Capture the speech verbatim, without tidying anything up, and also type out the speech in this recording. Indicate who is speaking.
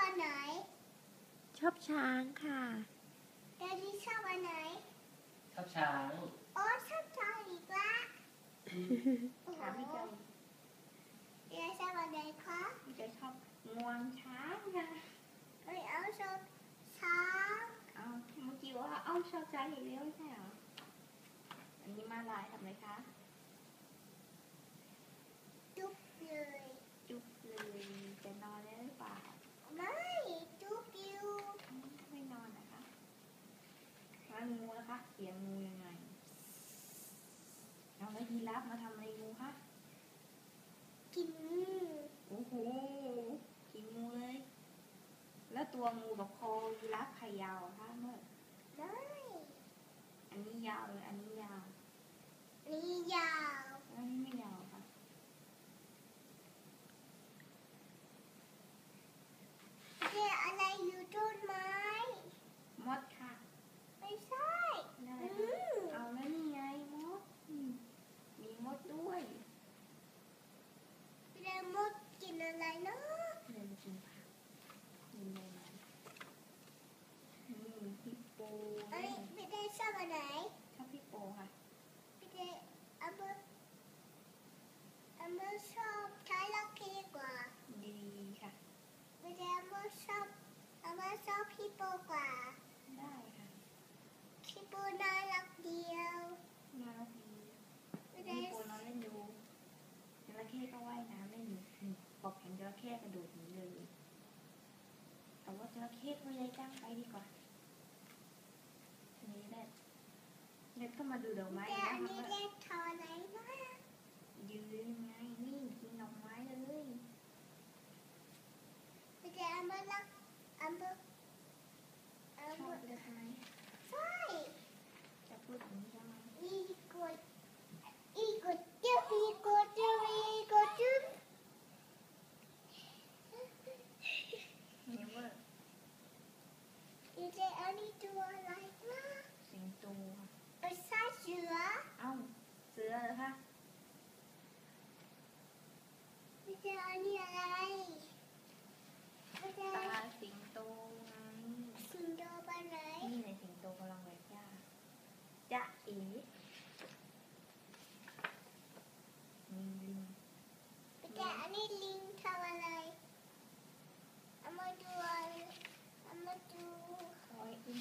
Speaker 1: อันไหน
Speaker 2: ชอบช้างค่ะ
Speaker 1: แดดดี้ชอบอันไหน
Speaker 3: ชอบช้าง
Speaker 1: โอ้ชอบช้างอีกละ
Speaker 4: ถามพี่เจย
Speaker 1: เดี๋ยวชอบอันไหนคะ
Speaker 4: พี่เจยชอบงวงช้างค่ะ
Speaker 1: ไม่เอาชอบช้าง
Speaker 4: เอาเมื่อกี้ว่าเอาชอบช้างอีกแล้วไม่ใช่เหรออันนี้มาลายทำไรคะ
Speaker 1: จุ๊บเลย
Speaker 4: จุ๊บเลยจะนอนได้หรือเปล่า
Speaker 1: ไม่จุ๊บอยู่
Speaker 4: ไม่นอนนะคะแล้วงูล่ะคะเสียงงูยังไงเอาแล้วยีราฟมาทำอะไรงูคะ
Speaker 1: กิน
Speaker 4: โอ้โหกินงูเลยแล้วตัวงูกับคอยีราฟใครยาวคะเมื่อ
Speaker 1: ได้
Speaker 4: อันนี้ยาวเลยอันนี้ยาว
Speaker 1: นี่ยาว
Speaker 4: อันนี้ไม่ยาวค่ะ
Speaker 1: เดี๋ยวอะไรอยู่ต้นไม้
Speaker 4: มดค่ะ
Speaker 1: ไม่ใช่
Speaker 4: เอาแล้วนี่ไงมดมีมดด้วย
Speaker 1: เดี๋ยวมดกินอะไรเนาะ
Speaker 4: เดินกินผักกินอะไรมานี่ฮิปโป
Speaker 1: เอ้ยพี่เดชอบอันไหน
Speaker 4: ชอบฮิปโปค่ะ
Speaker 1: พี่เดอัมเบอร์อัมเบอร์ชอบใช้ลักกี้กว่า
Speaker 4: ดีค่ะ
Speaker 1: พี่เดอัมเบอร์ชอบอัมเบอร์ชอบฮิปโปกว่า
Speaker 4: ได้ค่ะ
Speaker 1: ฮิปโปน่ารักเดียว
Speaker 4: น่ารักดีฮิปโปนอนเล่นดูจระเข้ก็ว่ายน้ำเล่นอยู่บอกเห็นจระเข้กระโดดหนีเลยแต่ว่าจระเข้ตัวใหญ่จังไปดีกว่าอันนี้เด็ดเด็ดก็มาดูดอกไม้
Speaker 1: นะอันนี้เด็ดทอไหนนะ
Speaker 4: ยืนยังไงนี่กินดอกไม้เลย
Speaker 1: พี่เดอัมเบอร์รักอัมเบอร์
Speaker 4: ชอบเลยใช่ไหม
Speaker 1: ใช่
Speaker 4: จะพูดอย่างนี้ใช่ไหม
Speaker 1: อีกดอีกดจุ๊บอีกดจุ๊บอีกดจุ๊บ
Speaker 4: นี่ว่า
Speaker 1: พี่เดอันนี้ตัวอะไรนะ
Speaker 4: สิงโตค่ะ
Speaker 1: ไม่ใช่เสือ
Speaker 4: เอ้าเสือเหรอคะ
Speaker 1: พี่เดอันนี้อะไรพี่เด
Speaker 4: ตาสิงโตไง
Speaker 1: สิงโตไปไหน
Speaker 4: นี่ในสิงโตกำลังแหวกหญ้าจ๊ะเอ๋มีลิง
Speaker 1: พี่เดอันนี้ลิงทำอะไรเอามาดูอะไรเอามาดู
Speaker 4: คอยอุ้ม